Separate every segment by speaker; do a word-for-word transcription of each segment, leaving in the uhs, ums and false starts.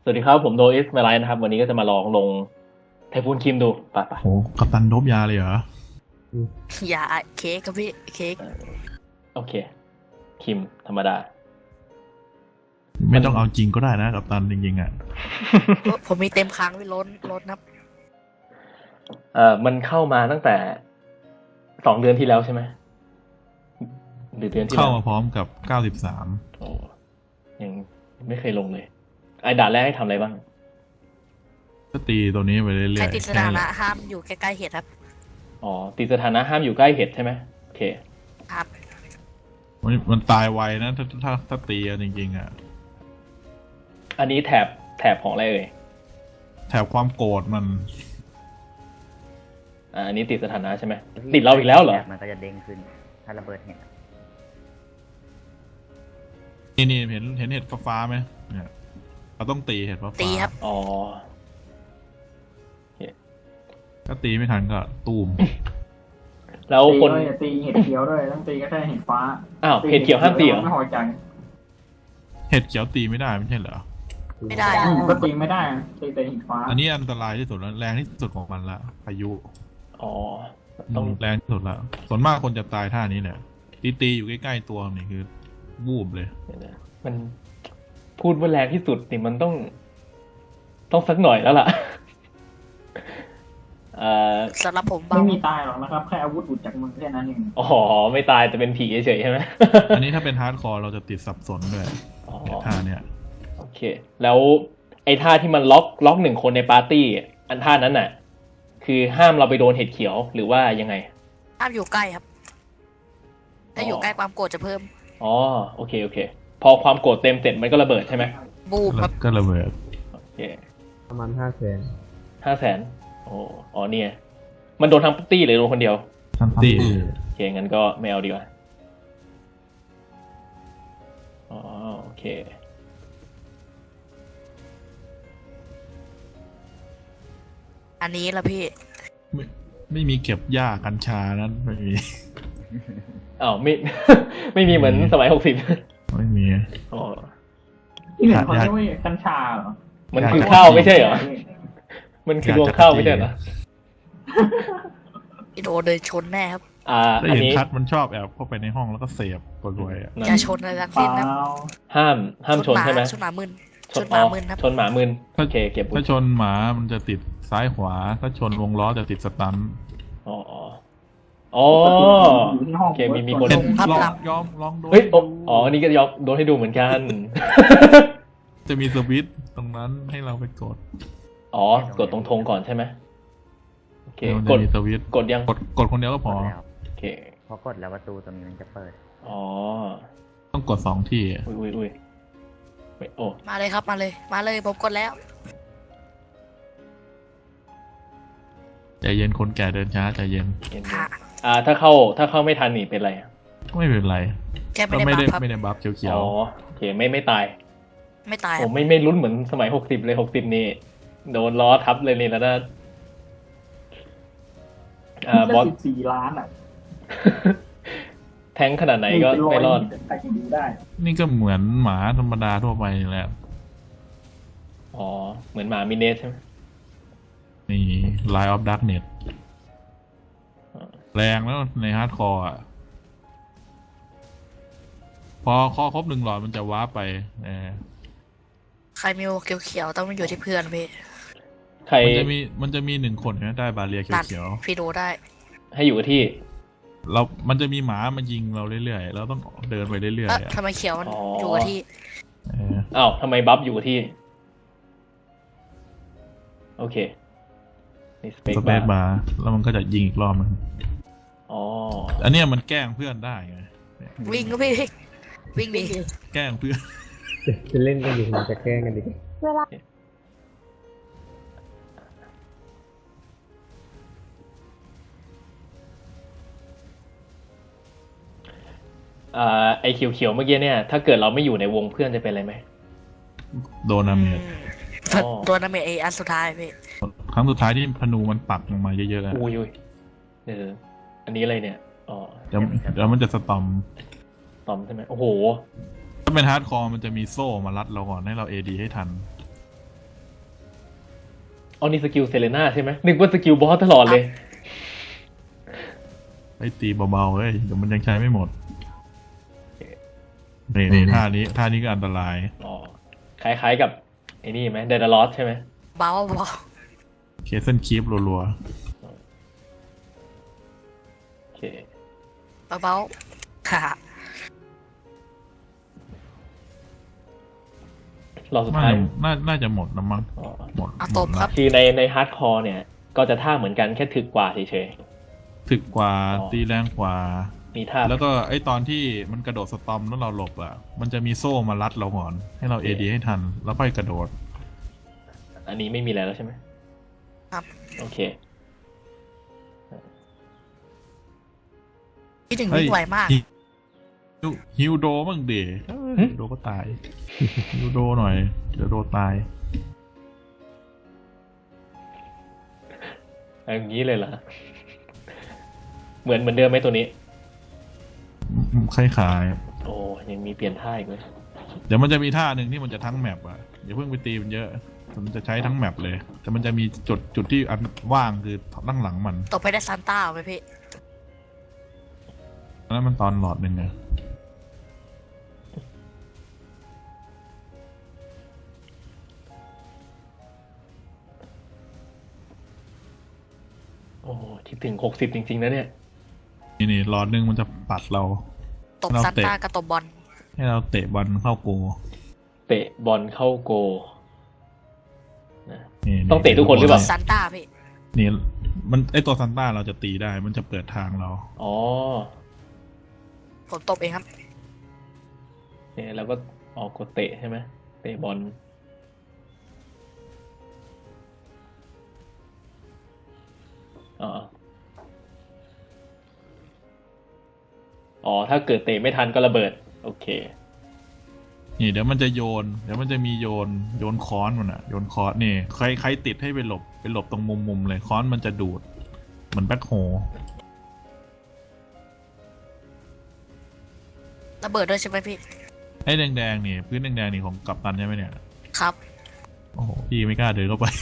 Speaker 1: สวัสดีครับผมโดอิสมาไลน์นะครับวันนี้ก็จะมาลองลงไทฟูนคิมดูไปไป
Speaker 2: โอ้กัปตันโดบยาเลยเหรอ
Speaker 3: อย่าเค้กครับพี่เค้ก
Speaker 1: โอเคคิมธรรมดา
Speaker 2: ไม่ต้องเอาจริงก็ได้นะกัปตันจริงๆอ่ะ
Speaker 3: ผมมีเต็มค้างไว้ล้นล้นครับ
Speaker 1: เอ่อมันเข้ามาตั้งแต่สองเดือนที่แล้วใช่ไหมหรือเดือนที่
Speaker 2: เข้า
Speaker 1: แล้ว
Speaker 2: มาพร้อมกับเก้าสิบสาม
Speaker 1: โอ้ยังไม่เคยลงเลยไอ้ด่านแรกให้ทำอะไรบ้าง
Speaker 2: ก็ตีตัวนี้ไปเรื่อยๆ
Speaker 3: ใครติดสถานะ
Speaker 2: แค่
Speaker 3: ห้ามอยู่ใกล้ๆเห็ดครับ
Speaker 1: อ๋อตีสถานะห้ามอยู่ใกล้เห็ดใช่ไหมโอเค
Speaker 3: ครับ
Speaker 2: มันมันตายไวนะถ้าถ้าถ้าตีกันจริงๆอ่ะ
Speaker 1: อันนี้แถบแถบของอะไรเอ่ย
Speaker 2: แถบความโกรธมัน
Speaker 1: อ่าอันนี้ติดสถานะใช่ไหมติดเราอีกแล้วเหรอ
Speaker 4: มันก็จะเด้งขึ้น ถ้าระเบิดเห็น
Speaker 2: นี่นี่เห็นเห็นเห็ดฟ้าๆไหมเนี่ยเราต้องตีเห็ดฟ้าๆ
Speaker 3: ตีครับ
Speaker 1: อ๋อ
Speaker 2: ถ้าตีไม่ทันก็ตูม
Speaker 1: แล้ว
Speaker 5: ตี
Speaker 1: คน
Speaker 5: ด้วยตีเห็ดเขียวด้วยต้องตีก็ได้เห็ดฟ้า
Speaker 1: อ้าวเห็ดเขียวห้ามตีเหรอ
Speaker 5: ไม่พอใจ
Speaker 2: เห็ดเขียวตีไม่ได้ไม่ใช่เหรอ
Speaker 3: ไม่ได้
Speaker 5: อืมก็ตีไม่ได้ตีแต่เห็ดฟ้า
Speaker 2: อันนี้อันตรายที่สุดแล้วแรงที่สุดของมันละพายุ
Speaker 1: อ๋อต้อง
Speaker 2: แรงที่สุดละส่วนมากคนจะตายท่านี้แหละตีตีอยู่ใกล้ๆตัวนี่คือวูบเลย
Speaker 1: เดี๋ยวนะมันพูดว่าแรงที่สุดนี่มันต้อง ต้องสักหน่อยแล้วล่ะ เอ่อ
Speaker 3: สำหรับผมเบา
Speaker 5: ไม่มีตายหรอกนะครับแค่อาวุธหลุดจากมือแค่นั้นเอง
Speaker 1: อ๋อไม่ตายแต่เป็นผีเฉยๆใช่ไหม
Speaker 2: อันนี้ถ้าเป็นฮาร์ดคอร์เราจะติดสับสนด้วย
Speaker 1: อ๋อ
Speaker 2: ท่าเนี่ย
Speaker 1: โอเค แล้วไอ้ท่าที่มันล็อกล็อกหนึ่งคนในปาร์ตี้อันท่านั้นน่ะ คือห้ามเราไปโดนเห็ดเขียวหรือว่ายังไง
Speaker 3: ห้ามอยู่ใกล้ครับถ้าอยู่ใกล้ความโกรธจะเพิ่ม
Speaker 1: อ๋อโอเคโอเค พอความโกรธเต็มเสร็จมันก็ระเบิดใช่ไหม
Speaker 3: บูมครับ
Speaker 2: ก็ระเบิด
Speaker 1: โอเค
Speaker 6: ประมาณห้าแสน
Speaker 1: ห้าแสนโอ้อ๋อเนี่ย มันโดนทั้งปาร์ตี้หรือโดนคนเดียว
Speaker 2: ทันตี
Speaker 1: โอเคงั้นก็ไม่เอาดีกว่า อ๋อโอเค
Speaker 3: อันนี้ละพี่
Speaker 2: ไม่ไม่มีเก็บหญ้ากัญชานั้นไม่มี
Speaker 1: อ้าวไม่ ไม่มีเหมือนสมัยหกสิบ
Speaker 2: ไม่มี
Speaker 1: อ๋อ
Speaker 5: ที่เหลือเขาเรียกว่ากัญชาเหรอ
Speaker 1: มันคือข้าวไม่ใช่เหรอ มันคือรวงข้าวไม่ใช่เหรอ
Speaker 3: โดนเลยชนแน่ครับ
Speaker 1: อ่า
Speaker 2: ได้
Speaker 1: อัน
Speaker 2: เห็น
Speaker 1: นี้
Speaker 2: คัดมันชอบแอบเข้าไปในห้องแล้วก็เสพตัวรวยอ่ะ
Speaker 1: นั่น
Speaker 3: อย่าชนอะไรทั้ง
Speaker 5: เปล่า
Speaker 3: สิ้นครับ
Speaker 1: ห้ามห้ามชนใช่ไหม
Speaker 3: ชนหมามึนชนห
Speaker 1: อ๋
Speaker 3: มา
Speaker 1: อ
Speaker 3: มึนครับ
Speaker 1: ชนหมามึนโอเคเก็บไว้
Speaker 2: ถ้าชนหมามันจะติดซ้ายขวา ถ้าชนวงล้อจะติดสตัน
Speaker 1: อ๋ออ๋ออ๋อ
Speaker 5: อยู่ที่ห้อง
Speaker 1: โอเคมีมีคน
Speaker 3: ลงครับ
Speaker 2: ลอ
Speaker 3: หลั
Speaker 2: ง
Speaker 3: บ
Speaker 2: ยอมลองโดน
Speaker 1: เฮ้ยอ๋ออ๋ออันนี้ก็ยอมโดนให้ดูเหมือนกัน
Speaker 2: จะมีสวิตช์ตรงนั้นให้เราไปกด
Speaker 1: อ๋อกดตรงธงก่อนใช่ไหมโอเค
Speaker 2: มัน
Speaker 1: ก
Speaker 2: จะ
Speaker 1: ด
Speaker 2: มีสวิตช์
Speaker 1: กดยัง
Speaker 2: กดกดคนเดียวก็พอ
Speaker 4: แล้ว
Speaker 1: โอเค
Speaker 4: พอกดแล้วประตูตรงนี้มันจะเปิด
Speaker 1: อ๋อ
Speaker 2: ต้องกดสองที่
Speaker 1: อุ้ยอุ้ยอุ้ยเฮ้ยโอ้
Speaker 3: มาเลยครับมาเลย มาเลยผมกดแล้ว
Speaker 2: ใจเย็นคนแก่เดินช้าใจเย็น
Speaker 1: เห็นไหม
Speaker 3: ค่ะ
Speaker 1: อ่าถ้าเข้าถ้าเข้าไม่ทันนี่เป็นไรอะ
Speaker 2: ไม่เป็นไร
Speaker 3: แค่ไม่
Speaker 2: ก็
Speaker 3: ได้
Speaker 2: ไม่
Speaker 3: บั
Speaker 2: ได้
Speaker 3: ฟครับ
Speaker 2: ไม่ได้บัฟเขียว
Speaker 1: อ๋อโอเคไม่ไม่ตาย
Speaker 3: ไม่ตายค
Speaker 1: โอ้
Speaker 3: รับ
Speaker 1: ไม่ไม่ลุ้นเหมือนสมัยหกสิบเลยหกสิบนี่โดนล้อทับเลยนี่แล้วนะอ่าบอส
Speaker 5: สิบสี่ล้านอ่ะ
Speaker 1: แทงขนาดไหนก็ไม่รอด
Speaker 5: ใครจะดูได้
Speaker 2: ๆนี่ก็เหมือนหมาธรรมดาทั่วไปนี่แหละ
Speaker 1: อ๋อ เหมือนหมามิเนสใช่ไหม
Speaker 2: นี่ Line of Darkness แรงแล้วในฮาร์ดคอร์อ่ะ พอคอครบหนึ่งหลอดมันจะว้าร์ปไปเออ
Speaker 3: ใครมีโอเขียวๆต้องมาอยู่ที่เพื่อนพี่
Speaker 1: ใคร
Speaker 2: มันจะมีมันจะมีหนึ่งคนนะได้บาเรีย
Speaker 3: ตัด
Speaker 2: เขียว
Speaker 3: พี่ดูได้
Speaker 1: ให้อยู่กับที่
Speaker 2: ๆเรา มันจะมีหมามายิงเราเรื่อยๆ เราต้องเดินไปเรื่อย
Speaker 3: เอ๊ะ
Speaker 2: ๆอะ
Speaker 3: ทำไมเขียวมัน
Speaker 1: อ๋อ
Speaker 3: อ
Speaker 1: อ
Speaker 3: ยู่กับที่
Speaker 2: เออ
Speaker 1: อ้าวทำไมบัฟอยู่กับที่ โอเคนี่สเปก
Speaker 2: สเป
Speaker 1: บา
Speaker 2: ซ
Speaker 1: ร์
Speaker 2: บาร์แล้วมันก็จะยิงอีกรอบนึง
Speaker 1: อ๋อ
Speaker 2: อันเนี้ยมันแกล้งเพื่อนได้ไง
Speaker 3: วิ่งก็พี่ วิ่งดิ
Speaker 2: แกล้งเพื่อน
Speaker 6: จะเล่นกันอยู่มันจะแกล้งกันดิ
Speaker 1: อ่าไอเขียวๆเมื่อกี้เนี่ย ถ้าเกิดเราไม่อยู่ในวงเพื่อนจะเป็นอะไรไหม
Speaker 2: โดนดาเมจ
Speaker 1: อ๋อ
Speaker 3: ตัวนาเมจไออันสุดท้ายพี่
Speaker 2: ครั้งสุดท้ายที่พนูมันปักลงมาเยอะๆอะ
Speaker 1: อุ้ยอุ้ยเอออันนี้อะไรเนี่ย อ๋อ
Speaker 2: เดี๋ยวเดี๋ยวมันจะสตอม
Speaker 1: ตอมใช่ไหมโอ้โห
Speaker 2: ถ้าเป็นฮาร์ดคอร์มันจะมีโซ่มารัดเราก่อนให้เราเอดีให้ทัน
Speaker 1: อ๋อนี่สกิลเซเลน่าใช่ไหมนึกว่าสกิลบอสตลอดเลย
Speaker 2: ไอ้ตีเบาๆเฮ้ยเดี๋ยวมันยังใช้ไม่หมดนี่นี่ท่านี้ท่านี้ก็อันตราย
Speaker 1: อ๋อ คล้ายๆกับไอ้นี่ไหมเดดลอสใช่ไหม
Speaker 3: เบาเบา
Speaker 2: เคสเส้นคีฟรัว
Speaker 1: โอเค
Speaker 3: เบาเบาค่ะ
Speaker 1: รอบสุ
Speaker 2: ๆ
Speaker 1: ด
Speaker 2: น่า
Speaker 1: ท้าย
Speaker 2: จะน่าน่าจะหมดนะมั้ง
Speaker 1: อ๋อ
Speaker 2: หมด
Speaker 3: เอา
Speaker 2: ห
Speaker 3: ต
Speaker 2: ม
Speaker 3: บ
Speaker 2: ด
Speaker 3: ครั
Speaker 2: ละ
Speaker 3: บ
Speaker 1: คือในในฮาร์ดคอร์เนี่ย ก็จะท่าเหมือนกันแค่ถึกกว่าเฉย
Speaker 2: ถึกกว่า
Speaker 1: อ๋อ
Speaker 2: ตีแรงกว่า
Speaker 1: ๆ มีท่า
Speaker 2: แล้วก็ไอ้ตอนที่มันกระโดดสตอมแล้วเราหลบอ่ะ มันจะมีโซ่มารัดเราก่อน ให้เราเอดีให้ทัน แล้วค่อยกระโดด
Speaker 1: อันนี้ไม่มีแล้วใช่ไหม
Speaker 3: ครับ
Speaker 1: โอเค
Speaker 3: คิดถึง
Speaker 2: เฮ้ย
Speaker 3: วิ่งไวมาก
Speaker 2: ฮิวฮิวโดบ้างเด๋
Speaker 1: หึ
Speaker 2: ฮิวโดก็ตาย ฮิวโดหน่อย เดี๋ยวโดตาย
Speaker 1: อย่างนี้เลยเหรอ เหมือนเหมือนเดิมไหมตัวนี้
Speaker 2: คล้าย
Speaker 1: โอ้ยังมีเปลี่ยนท่าอีกเลย
Speaker 2: ๆเดี๋ยวมันจะมีท่าหนึ่งที่มันจะทั้งแมปอ่ะอย่าเพิ่งไปตีมันเยอะ มันจะใช้ทั้งแมปเลย แต่มันจะมีจุดจุดที่อันว่างคือด้านหลังมัน
Speaker 3: ตบไปได้ซานต้าไหมพี่
Speaker 2: อันนั้นมันตอนหลอดหนึ่งไง
Speaker 1: โอ้ที่ถึงหกสิบจริงๆนะเนี่ย
Speaker 2: นี่นี่หลอดหนึ่งมันจะปัดเรา
Speaker 3: ตบ
Speaker 2: เรา
Speaker 3: ซาน
Speaker 2: เตะ
Speaker 3: ต้ากับตบบอล
Speaker 2: ให้เราเตะบอลเข้าโก
Speaker 1: เตะบอลเข้าโกนะ
Speaker 2: นี่
Speaker 1: ต้องเตะทุกคนหรือเปล่า
Speaker 3: ซานต้าพี่
Speaker 2: นี่มันไอตัวซันต้าเราจะตีได้ มันจะเปิดทางเรา
Speaker 1: อ๋อ
Speaker 3: ผมตบเองครับ
Speaker 1: เนี่ยเราก็ออกกดเตะใช่ไหมเตะบอลอ๋ออ๋อ ถ้าเกิดเตะไม่ทันก็ระเบิด โอเค
Speaker 2: นี่เดี๋ยวมันจะโยน เดี๋ยวมันจะมีโยน โยนค้อนมันอะโยนค้อนนี่ใครใครติดให้ไปหลบไปหลบตรงมุมมุมๆเลยค้อนมันจะดูดเหมือนแบ็คโฮ
Speaker 3: ระเบิดด้วยใช่ไหมพี่
Speaker 2: ไอ้แดงๆนี่พื้นแดงๆนี่ของกัปตันใช่ไหมเนี่ย
Speaker 3: ครับ
Speaker 2: โอ้โหพี่ไม่กล้าเดินเข้าไป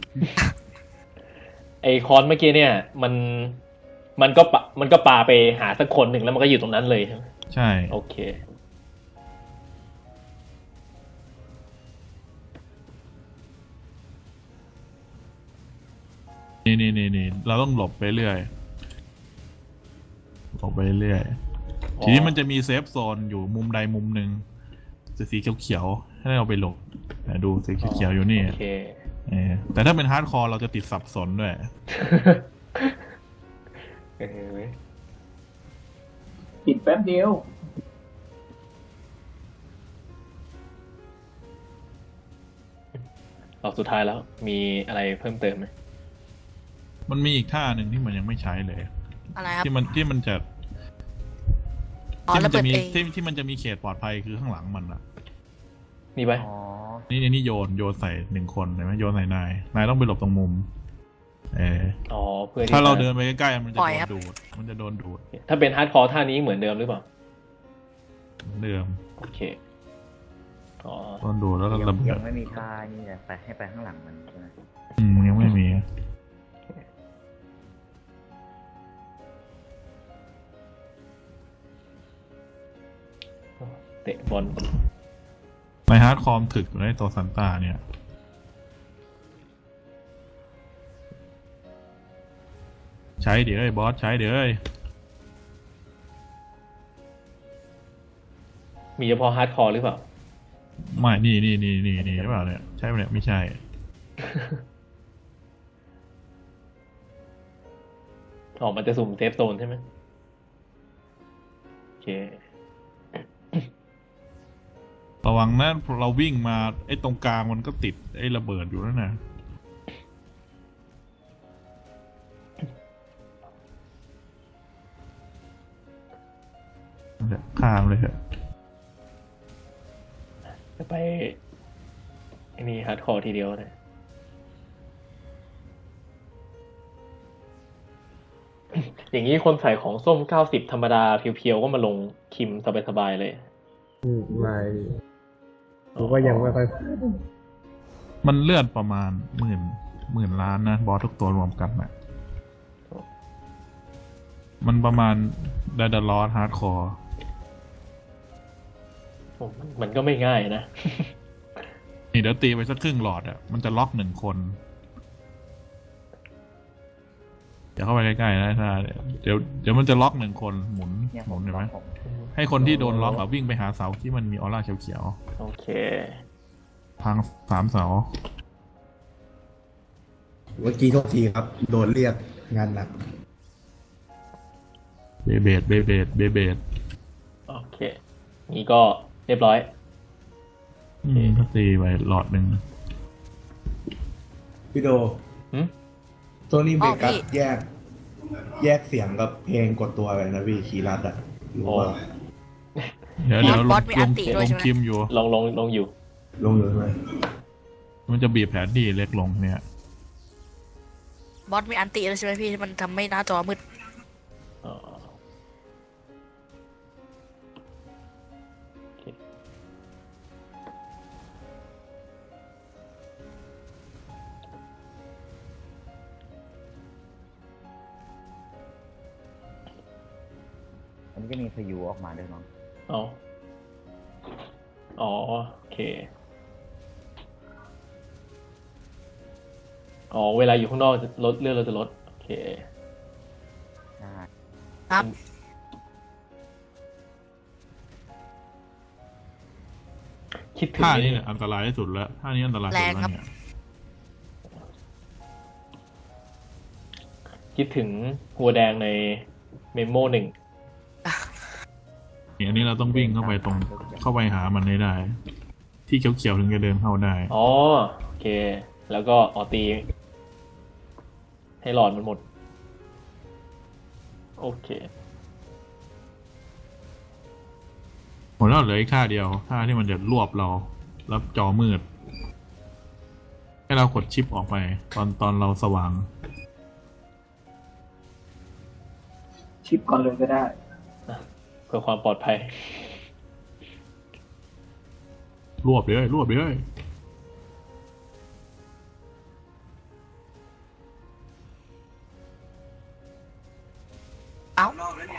Speaker 1: ไอคอนเมื่อกี้เนี่ย มัน มันก็ปะมันก็ปาไปหาสักคนหนึ่งแล้วมันก็อยู่ตรงนั้นเลยใช่ไหม
Speaker 2: ใช่
Speaker 1: โอเค
Speaker 2: นี่นี่นี่นี่เราต้องหลบไปเรื่อยหลบไปเรื่อย
Speaker 1: อ๋อ
Speaker 2: ทีนี้มันจะมีเซฟโซนอยู่มุมใดมุมหนึ่งสีเขียวๆให้เราไปหลบแต่ดูสีเขียวๆอยู่นี่
Speaker 1: โอเค
Speaker 2: เออแต่ถ้าเป็นฮาร์ดคอร์เราจะติดสับสนด้วย
Speaker 1: เออเว้ย
Speaker 5: ปิดแป๊บเดียว
Speaker 1: รอบสุดท้ายแล้ว มีอะไรเพิ่มเติมไหม
Speaker 2: มันมีอีกท่าหนึ่งที่มันยังไม่ใช้เลย
Speaker 3: อะไรครับ
Speaker 2: ที่มันที่มันจะ
Speaker 3: อ๋อ
Speaker 2: ที่มั
Speaker 3: ระ
Speaker 2: น
Speaker 3: เบิ
Speaker 2: จะ
Speaker 3: ด
Speaker 2: มี
Speaker 3: เอง
Speaker 2: ที่ที่มันจะมีเขตปลอดภัยคือข้างหลังมันอะ
Speaker 1: มีไหม
Speaker 4: อ๋อ
Speaker 2: นี่นี่นี่โยนโยนใส่หนึ่งคนเห็นไหมโยนใส่นายนายต้องไปหลบตรงมุมเออ
Speaker 1: อ๋อ เพื่อที่
Speaker 2: ถ้าเรา
Speaker 1: จะ
Speaker 2: เดินไปใกล้ๆมันจะ
Speaker 3: ปล่
Speaker 2: โด
Speaker 3: อย
Speaker 2: น
Speaker 3: ครับ
Speaker 2: ดูด มันจะโดนดูด
Speaker 1: ถ้าเป็นฮาร์ดคอร์ท่านี้เหมือนเดิมหรือเปล่า
Speaker 2: เหมือนเดิม
Speaker 1: โอเค อ๋อ
Speaker 2: โดนดูดแล้วก็
Speaker 4: ยัง
Speaker 2: ระเบิ
Speaker 4: ยั
Speaker 2: ด
Speaker 4: งไม่มีท่านี่เลยไปให้ไปข้างหลังมันใช่ไหม
Speaker 2: อืมยังไม่มี
Speaker 1: เตะบอล
Speaker 2: ในฮาร์ดคอร์มถึกอยู่ในตัวซันต้าเนี่ย ใช้เดี๋ยวไอ้บอสใช้เดี๋ยวไอ้
Speaker 1: มีเฉพาะฮาร์ดคอร์หรือเปล่า
Speaker 2: ไม่นี่นี่นี่นี่นี่หรือเปล่าเนี่ยใช่ไหมเนี่ยไม่ใช่
Speaker 1: ออกมันจะสุ่มเซฟโซนใช่ไหมโอเค
Speaker 2: ระวังนะเราวิ่งมาไอ้ตรงกลางมันก็ติดไอ้ระเบิดอยู่นั่นน่ะเดี๋ยวข้ามเลยเถอะ
Speaker 1: จะไปไอ้นี่ฮาร์ดคอร์ทีเดียวนะอย่างนี้คนใส่ของส้มเก้าสิบธรรมดาเพียวๆก็มาลงคิมสบายๆเลย
Speaker 6: อืมไม่ผมก็ยังไม่ค่อย
Speaker 2: มันเลื่อนประมาณหมื่นหมื่นล้านนะบอสทุกตัวรวมกันนะมันประมาณไดดาลอสฮาร์ดคอร์
Speaker 1: ผมมันก็ไม่ง่ายนะ
Speaker 2: นี่เดี๋ยวตีไปสักครึ่งหลอดอ่ะมันจะล็อกหนึ่งคนเดี๋ยวเข้าไปใกล้ๆนะถ้าเดี๋ยวเดี๋ยวมันจะล็อกหนึ่งคนหมุน
Speaker 4: เนี่ย
Speaker 2: ห
Speaker 4: ผ
Speaker 2: มุน
Speaker 4: ม
Speaker 2: เห็นไหม
Speaker 4: ผม
Speaker 2: ให้คนที่โดนล็อกอะวิ่งไปหาเสาที่มันมีออร่าเขียว
Speaker 1: โอเค
Speaker 2: ๆพังสามเสา
Speaker 7: เมื่อกี้โทษทีครับ โดนเรียกงานหนัก
Speaker 2: เบเบดเบเบดเบเบด
Speaker 1: โอเค นี่ก็เรียบร้อย
Speaker 2: อืมก็ตีไปหลอดหนึ่ง
Speaker 7: พี่โด
Speaker 1: หืม
Speaker 7: โทนี่เบ
Speaker 3: อ๋อ
Speaker 7: กัส
Speaker 3: พี่
Speaker 7: แยก แยกเสียงกับเพลงกดตัวเลยนะพี่คีรัตอะรู้ว่า
Speaker 2: เดี๋ยวเดี๋ยวล
Speaker 3: บอง สมี
Speaker 2: ล
Speaker 3: อั
Speaker 2: ง
Speaker 3: นติด้วย
Speaker 2: ล
Speaker 3: ใช่
Speaker 2: ง
Speaker 3: ไหม
Speaker 2: คิมอยู่
Speaker 1: ลองลงลงอยู่
Speaker 7: ลงอยู่ใช่ไหม
Speaker 2: มันจะบีบแผนที่เล็กลงเนี่ย
Speaker 3: บอสมีอันติด้วยใช่ไหมพี่ที่มันทำให้หน้าจอมืด
Speaker 1: อ๋อโอเค
Speaker 4: อันนี้จะมีพายุออกมาด้วยเนาะ
Speaker 1: เอาอ๋อ โอเค อ๋อ เวลาอยู่ข้างนอกจะลดเลือดเราจะลด โอเค
Speaker 4: ใช่
Speaker 3: ครับ
Speaker 1: คิดถึง
Speaker 2: ท่า
Speaker 1: ไอ้
Speaker 2: นี้
Speaker 1: นี่
Speaker 2: เนี่ยอันตรายที่สุดแล้วท่านี้อันตรายสุด
Speaker 3: แรง
Speaker 2: แล้ว
Speaker 3: ครับ
Speaker 2: เนี่ย
Speaker 1: คิดถึงหัวแดงในเมโมหนึ่ง
Speaker 2: เนี่ยอันนี้เราต้องวิ่งเข้าไปตรงเข้าไปหามันให้ได้ ที่เขียวๆถึงจะเดินเข้าได้
Speaker 1: อ๋อ โอเค แล้วก็ออตี ให้หลอดมันหมด โอเค
Speaker 2: หมดแล้วเหลืออีกท่าเดียวท่าที่มันจะรวบเราแล้วจอมืด ให้เรากดชิปออกไป ตอนตอนเราสว่าง
Speaker 5: ชิปก่อนเลยก็ได้
Speaker 1: เพื่อความปลอดภัย
Speaker 2: รวบเลยรวบเลย
Speaker 3: เอ้า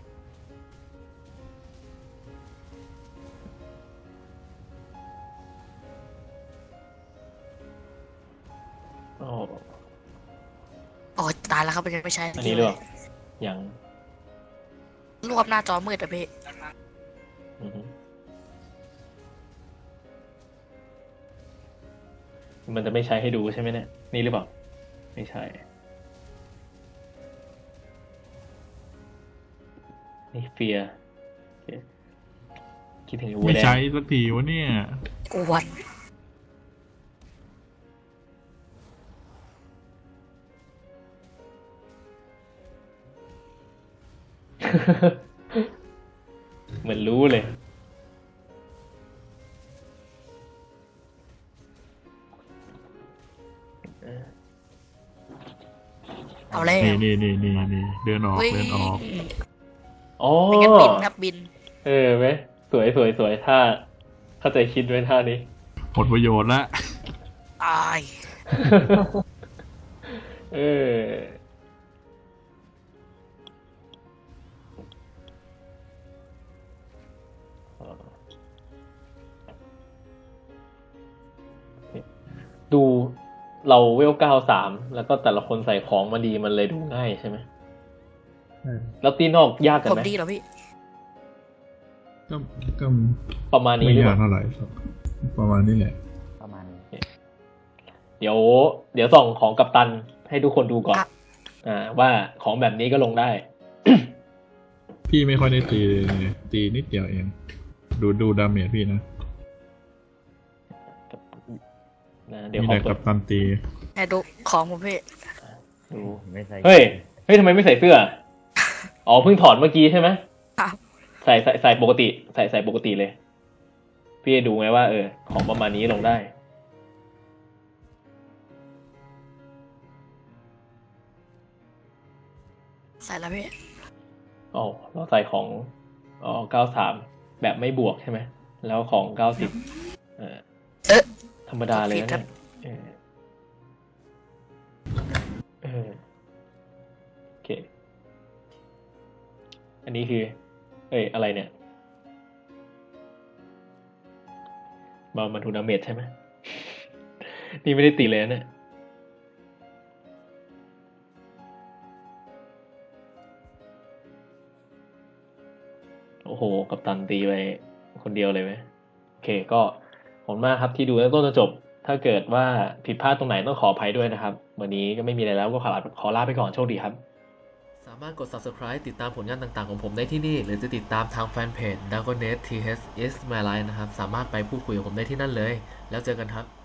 Speaker 1: อ๋อ
Speaker 3: โอ้ยตายแล้วครับมันยังไม่ใช่
Speaker 1: อันนี้หรือเปล่ายัง
Speaker 3: รวบหน้าจอมืดอะพี่
Speaker 1: อือฮึมันจะไม่ใช้ให้ดูใช่ไหมเนี่ย นี่หรือเปล่า ไม่ใช่ นี่เฟียคิดถึงวัว
Speaker 2: ไม่
Speaker 1: แดง
Speaker 2: ใช้สักทีวะเนี่ย
Speaker 3: กวน
Speaker 1: เหมือนรู้เลย
Speaker 3: เอาเลย
Speaker 2: นี่นี่นี่นี่นี่เดินออก
Speaker 3: เฮ้ย
Speaker 2: เดินออก
Speaker 1: อ๋อ
Speaker 3: ไม่งั้นบินครับบิน
Speaker 1: เออไหมสวยสวยสวยท่าเข้าใจคิดไว้ท่านี้
Speaker 2: หมดประโยชน์ละ
Speaker 3: ตาย
Speaker 1: เออ ดูเราเวลเก้าสามแล้วก็แต่ละคนใส่ของมาดีมันเลยดูง่ายใช่ไหม
Speaker 6: ใช่
Speaker 1: แล้วตีนอกยากกัน
Speaker 3: ผม
Speaker 1: ไหม
Speaker 3: ดีเหรอพี่
Speaker 2: ก็ก็
Speaker 1: ประมาณนี้
Speaker 2: ไม่
Speaker 1: หรือเป
Speaker 2: ยาก
Speaker 1: ล่า
Speaker 2: เท่าไหร่ครับประมาณนี้แหละ
Speaker 4: ประมาณนี้
Speaker 1: เดี๋ยว เดี๋ยวส่องของกัปตันให้ทุกคนดูก่อน
Speaker 3: ครับ
Speaker 1: อ่า ว่าของแบบนี้ก็ลงได้
Speaker 2: พี่ไม่ค่อยได้ตีตีนิดเดียวเอง ดูดูดาเมจพี่นะ
Speaker 1: นะเดี๋ยว
Speaker 2: มี
Speaker 1: ขอ
Speaker 2: แต่
Speaker 1: เปิ
Speaker 2: กั
Speaker 1: ด
Speaker 2: บตันตี
Speaker 3: ให้ดูของผมพี่
Speaker 1: ดู
Speaker 4: ไม่ใส่
Speaker 1: เฮ้ย เฮ้ยทำไมไม่ใส่เสื้อ อ๋อเพิ่งถอดเมื่อกี้ใช่ไหม
Speaker 3: ครับ
Speaker 1: ใส่ใส่ใส่ปกติ ใส่ใส่ปกติเลย พี่จะดูไงว่าเออ ของประมาณนี้ลงได้
Speaker 3: ใส่แล้วพี่
Speaker 1: อ๋อเราใส่ของอ๋อเก้าสามแบบไม่บวกใช่ไหม แล้วของเก้าสิบเออ
Speaker 3: เอ๊ะ
Speaker 1: ธรรมดาเลย
Speaker 3: ผิด
Speaker 1: นะ
Speaker 3: ครั
Speaker 1: เนี่
Speaker 3: บ
Speaker 1: ยเออเออโอเค อันนี้คือ เอ้ย อะไรเนี่ย มามาทูนาเมตใช่ไหม นี่ไม่ได้ตีเลยนะเนี่ย โอ้โห กัปตันตีไปคนเดียวเลยไหมโอเค ก็ขอบคุณมากครับที่ดูตั้งต้นจนจบ ถ้าเกิดว่าผิดพลาดตรงไหนต้องขออภัยด้วยนะครับ วันนี้ก็ไม่มีอะไรแล้วก็ขอลาขอลาไปก่อนโชคดีครับ
Speaker 8: สามารถกด subscribe ติดตามผลงานต่างๆของผมได้ที่นี่ หรือจะติดตามทางแฟนเพจ Dragonet ที เอช is my life นะครับ สามารถไปพูดคุยกับผมได้ที่นั่นเลย แล้วเจอกันครับ